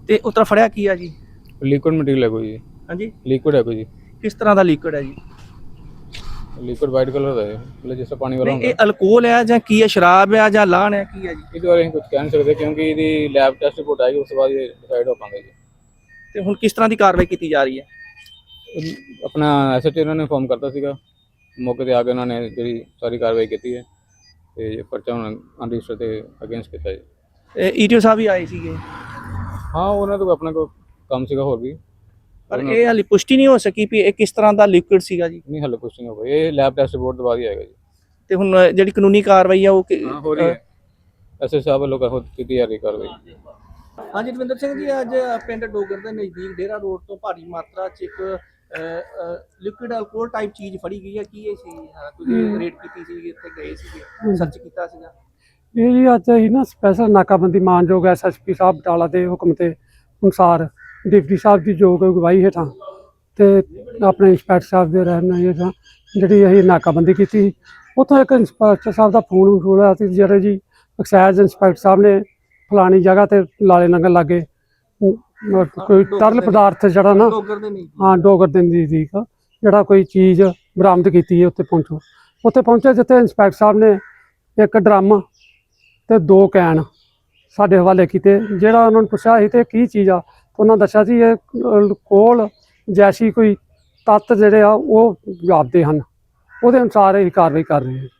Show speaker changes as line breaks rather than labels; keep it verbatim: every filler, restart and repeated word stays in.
ਤੇ ਉਤਰਾ ਫੜਿਆ ਕੀ ਆ ਜੀ?
ਲਿਕੁਇਡ ਮਟੀਰੀਅਲ ਹੈ ਕੋਈ ਜੀ।
ਹਾਂਜੀ,
ਲਿਕੁਇਡ ਹੈ ਕੋਈ ਜੀ।
ਕਿਸ ਤਰ੍ਹਾਂ ਦਾ ਲਿਕੁਇਡ ਹੈ ਜੀ?
ਲਿਕੁਇਡ ਵਾਈਟ ਕਲਰ ਦਾ ਹੈ, ਮਤਲਬ ਜਿਸ ਤਰ੍ਹਾਂ ਪਾਣੀ ਵਾਲਾ
ਨਹੀਂ,
ਹੁੰਦਾ।
ਇਹ ਅਲਕੋਹਲ ਹੈ ਜਾਂ ਕੀ ਹੈ, ਸ਼ਰਾਬ ਹੈ ਜਾਂ ਲਾਹਣ ਹੈ, ਕੀ ਹੈ ਜੀ?
ਇਹਦੇ ਬਾਰੇ ਅਸੀਂ ਕੁਝ ਕਹਿ ਨਹੀਂ ਸਕਦੇ ਕਿਉਂਕਿ ਇਹਦੀ ਲੈਬ ਟੈਸਟ ਰਿਪੋਰਟ ਆਏਗੀ, ਉਸ ਤੋਂ ਬਾਅਦ ਇਹ ਡਿਸਾਈਡ ਹੋ ਪਾਉਂਗਾ ਜੀ।
ਤੇ ਹੁਣ ਕਿਸ ਤਰ੍ਹਾਂ ਦੀ ਕਾਰਵਾਈ ਕੀਤੀ ਜਾ ਰਹੀ ਹੈ?
ਇਹ ਆਪਣਾ ਐਸਐਚਓ ਉਹਨਾਂ ਨੇ ਇਨਫੋਰਮ ਕਰਤਾ ਸੀਗਾ, ਮੌਕੇ ਤੇ ਆ ਕੇ ਉਹਨਾਂ ਨੇ ਜਿਹੜੀ ਸਾਰੀ ਕਾਰਵਾਈ ਕੀਤੀ ਹੈ ਤੇ ਪਰਚਾ ਹੁਣ ਅਨਰਜਿਸਟਰ ਤੇ ਅਗੇਂਸਟ ਕੀਤਾ ਜੀ।
ਈਟੀਓ ਸਾਹਿਬ ਵੀ ਆਏ ਸੀਗੇ।
ਹਾਂ, ਉਹਨਾਂ ਤੋਂ ਆਪਣਾ ਕੋਈ ਕੰਮ ਸੀਗਾ ਹੋਰ ਵੀ,
ਪਰ ਇਹ ਹਾਲੇ ਪੁਸ਼ਟੀ ਨਹੀਂ ਹੋ ਸਕੀ ਵੀ ਇਹ ਕਿਸ ਤਰ੍ਹਾਂ ਦਾ ਲਿਕੁਇਡ ਸੀਗਾ ਜੀ।
ਨਹੀਂ ਹਾਲੇ ਕੁਝ ਨਹੀਂ ਹੋ ਗਿਆ, ਇਹ ਲੈਬ ਟੈਸਟ ਰਿਪੋਰਟ ਤੋਂ ਬਾਅਦ ਹੀ ਆਏਗਾ ਜੀ।
ਤੇ ਹੁਣ ਜਿਹੜੀ ਕਾਨੂੰਨੀ ਕਾਰਵਾਈ ਆ ਉਹ
ਹਾਂ ਹੋ ਰਹੀ ਹੈ, ਐਸਐਚਓ ਸਾਹਿਬ ਵੱਲੋਂ ਕਰ ਕੀਤੀ ਜਾ ਰਹੀ ਕਾਰਵਾਈ।
ਹਾਂਜੀ ਦਵਿੰਦਰ ਸਿੰਘ ਜੀ, ਅੱਜ ਪਿੰਡ ਡੋਗਰ ਦੇ ਨਜ਼ਦੀਕ ਡੇਰਾ ਰੋਡ ਤੋਂ ਭਾਰੀ ਮਾਤਰਾ 'ਚ ਇੱਕ ਲਿਕੁਇਡ ਅਲਕੋਹਲ ਟਾਈਪ ਚੀਜ਼ ਫੜੀ ਗਈ ਹੈ। ਕੀ ਇਹ ਸੀ? ਤੁਸੀਂ ਰੇਡ ਕੀਤੀ ਸੀ, ਇੱਥੇ ਗਏ ਸੀਗੇ, ਸਰਚ ਕੀਤਾ ਸੀਗਾ?
ਇਹ ਜੀ ਅੱਜ ਅਸੀਂ ਨਾ ਸਪੈਸ਼ਲ ਨਾਕਾਬੰਦੀ ਮਾਨਯੋਗ ਐਸ ਐਸ ਪੀ ਸਾਹਿਬ ਬਟਾਲਾ ਦੇ ਹੁਕਮ ਦੇ ਅਨੁਸਾਰ ਡਿਪਟੀ ਸਾਹਿਬ ਦੀ ਯੋਗ ਅਗਵਾਈ ਹੇਠਾਂ ਤੇ ਆਪਣੇ ਇੰਸਪੈਕਟਰ ਸਾਹਿਬ ਦੇ ਰਹਿਨੁਮਾਈ ਹੇਠਾਂ ਜਿਹੜੀ ਅਸੀਂ ਨਾਕਾਬੰਦੀ ਕੀਤੀ। ਉੱਥੋਂ ਇੱਕ ਇੰਸਪੈਕਟਰ ਸਾਹਿਬ ਦਾ ਫੋਨ ਵਸੂਲ ਹੋਇਆ ਸੀ, ਜਿਹੜੇ ਜੀ ਐਕਸਾਈਜ਼ ਇੰਸਪੈਕਟਰ ਸਾਹਿਬ ਨੇ ਫਲਾਣੀ ਜਗ੍ਹਾ ਤੇ ਲਾਲੇ ਲੰਗਰ ਲਾਗੇ ਕੋਈ ਤਰਲ ਪਦਾਰਥ ਜਿਹੜਾ ਨਾ ਹਾਂ ਡੋਗਰ ਦੇ ਨਜ਼ਦੀਕ ਜਿਹੜਾ ਕੋਈ ਚੀਜ਼ ਬਰਾਮਦ ਕੀਤੀ ਹੈ। ਉੱਥੇ ਪਹੁੰਚੋ, ਉੱਥੇ ਪਹੁੰਚੇ ਜਿੱਥੇ ਇੰਸਪੈਕਟਰ ਸਾਹਿਬ ਨੇ ਇੱਕ ਡਰਮ ਤੇ ਦੋ ਕੈਨ ਸਾਡੇ ਹਵਾਲੇ ਕੀਤੇ। ਜਿਹੜਾ ਉਹਨਾਂ ਨੂੰ ਪੁੱਛਿਆ ਸੀ ਤੇ ਕੀ ਚੀਜ਼ ਆ, ਉਹਨਾਂ ਦੱਸਿਆ ਸੀ ਇਹ ਅਲਕੋਹਲ ਜੈਸੀ ਕੋਈ ਤੱਤ ਜਿਹੜੇ ਆ ਉਹ ਜਾਪਦੇ ਹਨ। ਉਹਦੇ ਅਨੁਸਾਰ ਇਹ ਕਾਰਵਾਈ ਕਰ ਰਹੇ ਹਾਂ।